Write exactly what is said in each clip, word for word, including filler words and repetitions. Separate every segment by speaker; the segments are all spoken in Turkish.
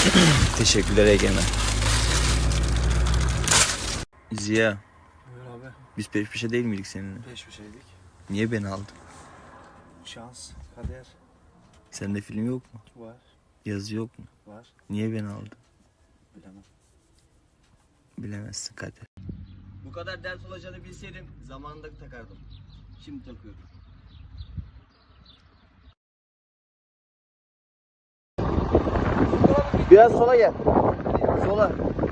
Speaker 1: Teşekkürler Egemen. Ziya.
Speaker 2: Buyur abi.
Speaker 1: Biz peş peşe değil miydik seninle?
Speaker 2: Peş peşeydik.
Speaker 1: Niye beni aldın?
Speaker 2: Şans, kader
Speaker 1: Sende film yok mu?
Speaker 2: var.
Speaker 1: Yazı yok mu?
Speaker 2: Var.
Speaker 1: Niye beni aldın?
Speaker 2: Bilemem.
Speaker 1: Bilemezsin kader. Bu kadar dert olacağını bilseydim zamanında takardım. Şimdi takıyorum. Biraz sola gel. Sola.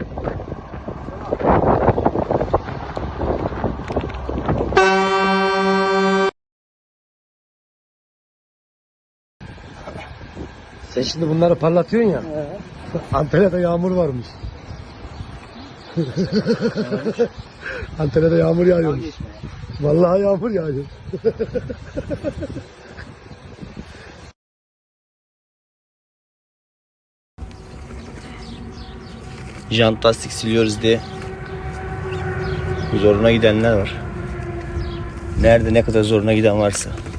Speaker 3: Sen şimdi bunları parlatıyorsun ya. Ee? Antalya'da yağmur varmış. Antalya'da yağmur yağıyormuş. Vallahi yağmur yağıyor.
Speaker 1: Jant lastik siliyoruz diye zoruna gidenler var. Nerede ne kadar zoruna giden varsa.